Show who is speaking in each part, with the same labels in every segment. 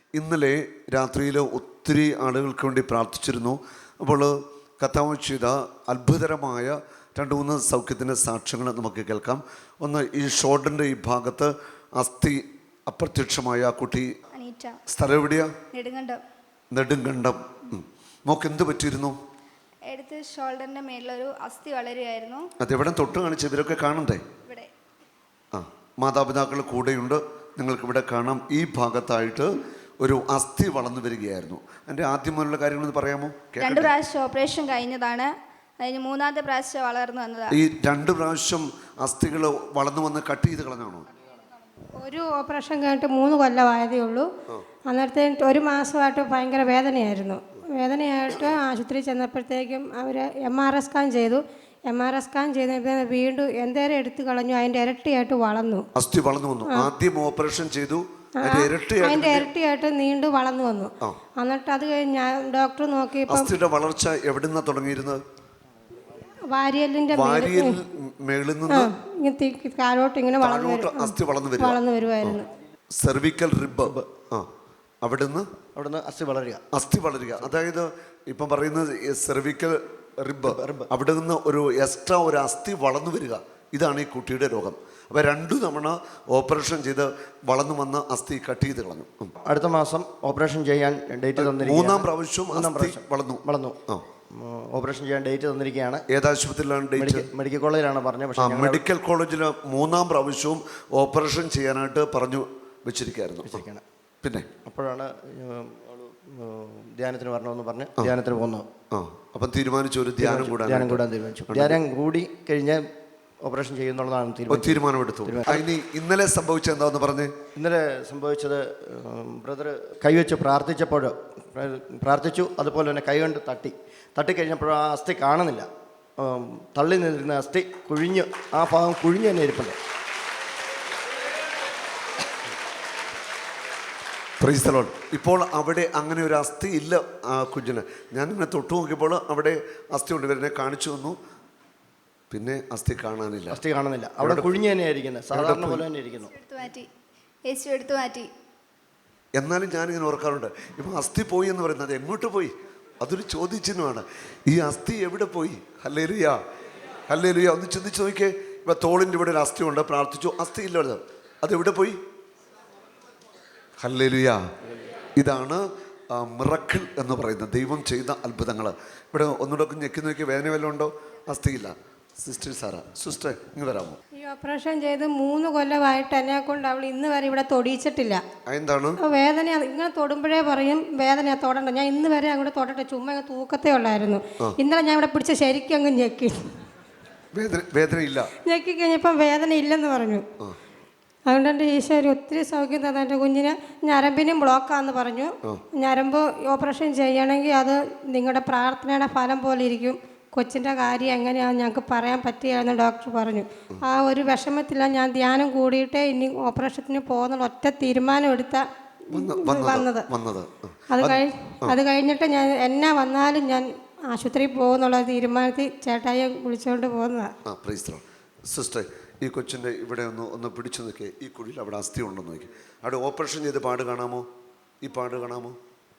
Speaker 1: ഇന്നലെ രാത്രിയിൽ ഒത്തിരി ആളുകൾക്ക് വേണ്ടി പ്രാർത്ഥിച്ചിരുന്നു. അപ്പോൾ കർത്താവ് ചെയ്ത അത്ഭുതകരമായ 2-3 സൗഖ്യത്തിൻ്റെ സാക്ഷ്യങ്ങൾ നമുക്ക് കേൾക്കാം. ഒന്ന്, ഈ ഷോൾഡറിൻ്റെ ഈ ഭാഗത്ത് അസ്ഥി അപ്രത്യക്ഷമായ ആ കുട്ടി സ്ഥലം എവിടെയാ? നെടുങ്കണ്ടം. മോക്ക് എന്ത് പറ്റിയിരുന്നു?
Speaker 2: എടുത്ത് ഷോൾഡറിന്റെ മേലൊരു അസ്ഥി വളരുകയായിരുന്നു.
Speaker 1: അതെവിടെ തൊട്ട് കാണിച്ച് ഇവരൊക്കെ കാണണ്ടേ?
Speaker 2: ഇവിടെ.
Speaker 1: മാതാപിതാക്കൾ കൂടെയുണ്ട്, നിങ്ങൾക്ക് ഇവിടെ കാണാം. ഈ ഭാഗത്തായിട്ട് ഒരു അസ്ഥി വളർന്നു വരികയായിരുന്നു. എൻ്റെ ആദ്യം മുതലുള്ള കാര്യങ്ങളൊന്ന് പറയാമോ?
Speaker 2: 2 പ്രാവശ്യം ഓപ്പറേഷൻ കഴിഞ്ഞതാണ്. അതിന് 3ാമത്തെ പ്രാവശ്യം വളർന്നു വന്നതാണ്.
Speaker 1: ഈ 2 പ്രാവശ്യം അസ്ഥികൾ വളർന്നു വന്ന് കട്ട് ചെയ്ത് കളഞ്ഞാണോ?
Speaker 3: ഒരു ഓപ്പറേഷൻ കഴിഞ്ഞിട്ട് 3 കൊല്ലമായതേ ഉള്ളൂ. അന്നേരത്തെ 1 മാസമായിട്ട് ഭയങ്കര വേദനയായിരുന്നു. ആശുപത്രി ചെന്നപ്പോഴത്തേക്കും അവർ MRI സ്കാൻ ചെയ്തു. MRI സ്കാൻ ചെയ്തപ്പോൾ വീണ്ടും എന്തേരം എടുത്തു കളഞ്ഞു, അതിൻ്റെ ഇരട്ടിയായിട്ട് വളർന്നു.
Speaker 1: അസ്ഥി വളർന്നു വന്നു. ആദ്യം ഓപ്പറേഷൻ ചെയ്തു,
Speaker 3: അതിൻ്റെ ഇരട്ടിയായിട്ട് നീണ്ടു വളർന്നു വന്നു. എന്നിട്ട് അത് കഴിഞ്ഞ് ഞാൻ ഡോക്ടർ നോക്കിയപ്പോൾ
Speaker 1: അസ്ഥിയുടെ വളർച്ച എവിടുന്നാ തുടങ്ങിയിരുന്നത്?
Speaker 3: വാരിയലിന്റെ
Speaker 1: മേളിൽ നിന്ന്
Speaker 3: താഴോട്ട് ഇങ്ങനെ
Speaker 1: അസ്ഥി വളർന്നു
Speaker 3: വരുമായിരുന്നു.
Speaker 1: സെർവിക്കൽ റിബ്, അവിടുന്ന് അസ്ഥി വളരുക. അതായത് ഇപ്പം പറയുന്നത് സെർവിക്കൽ റിബ്, അവിടെ നിന്ന് ഒരു എക്സ്ട്രാ ഒരു അസ്ഥി വളർന്നു വരിക. ഇതാണ് ഈ കുട്ടിയുടെ രോഗം. അപ്പോൾ 2 തവണ ഓപ്പറേഷൻ ചെയ്ത് വളർന്നു വന്ന അസ്ഥി കട്ട് ചെയ്ത് കളഞ്ഞു.
Speaker 4: അടുത്ത മാസം ഓപ്പറേഷൻ ചെയ്യാൻ ഡേറ്റ് തന്നിരിക്കുകയാണ്.
Speaker 1: 3ാം പ്രാവശ്യം വളർന്നു.
Speaker 4: ഓപ്പറേഷൻ ചെയ്യാൻ ഡേറ്റ് തന്നിരിക്കുകയാണ്.
Speaker 1: ഏത് ആശുപത്രിയിലാണ് ഡേറ്റ്?
Speaker 4: മെഡിക്കൽ കോളേജിലാണ് പറഞ്ഞത്. പക്ഷേ
Speaker 1: മെഡിക്കൽ കോളേജിൽ 3ാം പ്രാവശ്യവും ഓപ്പറേഷൻ ചെയ്യാനായിട്ട് പറഞ്ഞു വെച്ചിരിക്കുകയായിരുന്നു. പിന്നെ
Speaker 4: അപ്പോഴാണ് ധ്യാനത്തിന് വരണമെന്ന് പറഞ്ഞ് ധ്യാനത്തിന് പോകുന്നു.
Speaker 1: അപ്പം തീരുമാനിച്ചു ഒരു ധ്യാനം
Speaker 4: കൂടാൻ തീരുമാനിച്ചു. ധ്യാനം കൂടി കഴിഞ്ഞ് ഓപ്പറേഷൻ ചെയ്യുന്നുള്ളതാണ്
Speaker 1: തീരുമാനമെടുത്തു. ഇനി ഇന്നലെ സംഭവിച്ചത് എന്താന്ന് പറഞ്ഞ്?
Speaker 4: ഇന്നലെ സംഭവിച്ചത്, ബ്രദർ കൈവച്ച് പ്രാർത്ഥിച്ചു. അതുപോലെ തന്നെ കൈകൊണ്ട് തട്ടിക്കഴിഞ്ഞപ്പോൾ ആ അസ്ഥി കാണുന്നില്ല. തള്ളി നിന്നിരുന്ന അസ്ഥി കുഴിഞ്ഞ്, ആ ഭാഗം കുഴിഞ്ഞ് തന്നെ ഇരിപ്പുണ്ട്.
Speaker 1: Praise the Lord. ഇപ്പോൾ അവിടെ അങ്ങനെ ഒരു അസ്ഥി ഇല്ല ആ കുഞ്ഞിന്. ഞാനിങ്ങനെ തൊട്ടു നോക്കിയപ്പോൾ അവിടെ അസ്ഥി ഉണ്ട്. ഇവരെന്നെ കാണിച്ചു തന്നു. പിന്നെ അസ്ഥി കാണാനില്ല.
Speaker 4: അവിടെ കുഴിഞ്ഞ് തന്നെയാണ് ഇരിക്കുന്നത്, സാധാരണ പോലെ തന്നെ ഇരിക്കുന്നു.
Speaker 2: എടുത്തു മാറ്റി.
Speaker 1: എന്നാലും ഞാനിങ്ങനെ ഓർക്കാറുണ്ട്, ഇപ്പം അസ്ഥി പോയി എന്ന് പറയുന്നത് എങ്ങോട്ട് പോയി? അതൊരു ചോദ്യചിഹ്നമാണ്. ഈ അസ്ഥി എവിടെ പോയി? Hallelujah, hallelujah. ഒന്ന് ചിന്തിച്ച് നോക്കിയേ. ഇപ്പം തോളിൻ്റെ ഇവിടെ ഒരു അസ്ഥി ഉണ്ട്, പ്രാർത്ഥിച്ചു, അസ്ഥി ഇല്ല. അതെവിടെ പോയി? ഹല്ലേലൂയ. ഇതാണ് മിറക്കിൾ എന്ന് പറയുന്നത്, ദൈവം ചെയ്ത അത്ഭുതങ്ങൾ. ഇവിടെ ഒന്നുകൂടെ ഞെക്കി നോക്കി, വേദന വല്ലതും ഉണ്ടോ? അസ്ഥിയില്ല. സിസ്റ്റർ ഇങ്ങ് വരാമോ?
Speaker 3: ഈ ഓപ്പറേഷൻ ചെയ്ത് 3 കൊല്ലമായിട്ട് എന്നെ കൊണ്ട് അവൾ ഇന്ന് വരെ ഇവിടെ തൊടിയിച്ചിട്ടില്ല.
Speaker 1: എന്താണ്
Speaker 3: വേദന? ഇങ്ങനെ തൊടുമ്പോഴേ പറയും വേദന, തൊടണ്ട. ഞാൻ ഇന്ന് വരെ അങ്ങോട്ട് തൊടട്ടെ, ചുമ്മാ തൂക്കത്തേ ഉള്ളായിരുന്നു. ഇന്നലെ ഞാൻ ഇവിടെ പിടിച്ച ശരിക്കും അങ്ങ് ഞെക്കി.
Speaker 1: വേദനയില്ല.
Speaker 3: ഞെക്കി കഴിഞ്ഞപ്പം വേദന ഇല്ലെന്ന് പറഞ്ഞു. അതുകൊണ്ട് എൻ്റെ ഈശ്വരി ഒത്തിരി സൗഖ്യം തന്നെ. എൻ്റെ കുഞ്ഞിന് ഞരമ്പിനും ബ്ലോക്കാന്ന് പറഞ്ഞു. ഞരമ്പ് ഓപ്പറേഷൻ ചെയ്യണമെങ്കിൽ അത് നിങ്ങളുടെ പ്രാർത്ഥനയുടെ ഫലം പോലെ ഇരിക്കും. കൊച്ചിൻ്റെ കാര്യം എങ്ങനെയാണെന്ന് ഞങ്ങൾക്ക് പറയാൻ പറ്റുകയെന്ന് ഡോക്ടർ പറഞ്ഞു. ആ ഒരു വിഷമത്തിലാണ് ഞാൻ ധ്യാനം കൂടിയിട്ടേ ഇനി ഓപ്പറേഷത്തിന് പോകുന്ന ഒറ്റ തീരുമാനം എടുത്ത വന്നത്. അത് കഴിഞ്ഞിട്ട് ഞാൻ എന്നാ വന്നാലും ഞാൻ ആശുപത്രിയിൽ പോകുന്നുള്ള തീരുമാനത്തിൽ ചേട്ടായിയെ വിളിച്ചുകൊണ്ട് പോകുന്നതാണ്.
Speaker 1: സിസ്റ്റർ, ഈ കൊച്ചിൻ്റെ ഇവിടെ ഒന്ന് പിടിച്ചു നോക്കിയേ. ഈ കുഴിയിൽ അവിടെ അസ്ഥി ഉണ്ടെന്ന് നോക്കി. അവിടെ ഓപ്പറേഷൻ ചെയ്ത് പാട് കാണാമോ? ഈ പാട് കാണാമോ?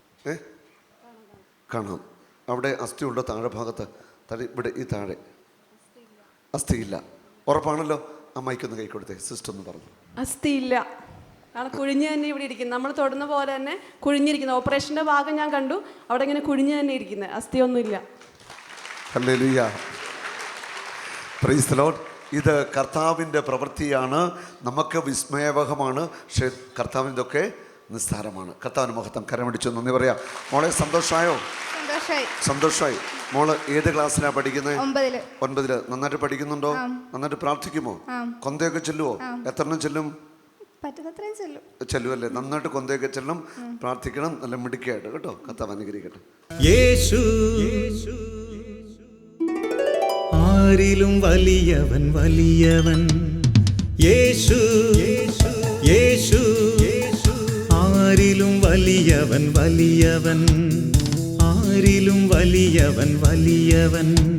Speaker 1: കാണാം. അവിടെ അസ്ഥി ഉണ്ടോ? താഴെ ഭാഗത്ത് ഇവിടെ ഈ താഴെ അസ്ഥിയില്ല. ഉറപ്പാണല്ലോ? അമ്മയ്ക്കൊന്ന് കൈ കൊടുത്തേ. സിസ്റ്റർ ഒന്ന് പറഞ്ഞു.
Speaker 5: അസ്ഥിയില്ല, കുഴിഞ്ഞ് തന്നെ ഇവിടെ ഇരിക്കുന്നത്. നമ്മൾ തൊടുന്ന പോലെ തന്നെ കുഴിഞ്ഞിരിക്കുന്നത്. ഓപ്പറേഷൻ്റെ ഭാഗം ഞാൻ കണ്ടു, അവിടെ ഇങ്ങനെ കുഴിഞ്ഞ് തന്നെ ഇരിക്കുന്നത്, അസ്ഥിയൊന്നുമില്ല.
Speaker 1: Hallelujah, praise the Lord. ഇത് കർത്താവിൻ്റെ പ്രവൃത്തിയാണ്. നമുക്ക് വിസ്മയവഹമാണ്, പക്ഷേ കർത്താവിൻ്റെയൊക്കെ നിസ്സാരമാണ്. കർത്താവിന് മഹത്വം. കരമടിച്ചു നന്ദി പറയാം. മോളെ സന്തോഷമായോ? സന്തോഷമായി. മോള് ഏത് ക്ലാസ്സിലാണ് പഠിക്കുന്നത്? 9. നന്നായിട്ട് പഠിക്കുന്നുണ്ടോ? നന്നായിട്ട് പ്രാർത്ഥിക്കുമോ? കൊന്തയൊക്കെ ചെല്ലുവോ? എത്രണ്ണം ചെല്ലും? ചെല്ലുമല്ലേ? നന്നായിട്ട് കൊന്തയൊക്കെ ചെല്ലും. പ്രാർത്ഥിക്കണം, നല്ല മിടുക്കിയായിട്ട് കേട്ടോ. കർത്താവ് അനുഗ്രഹിക്കട്ടെ.
Speaker 6: ആരിലും വലിയവൻ വലിയവൻ യേശു, യേശു. ആരിലും വലിയവൻ വലിയവൻ, ആരിലും വലിയവൻ വലിയവൻ.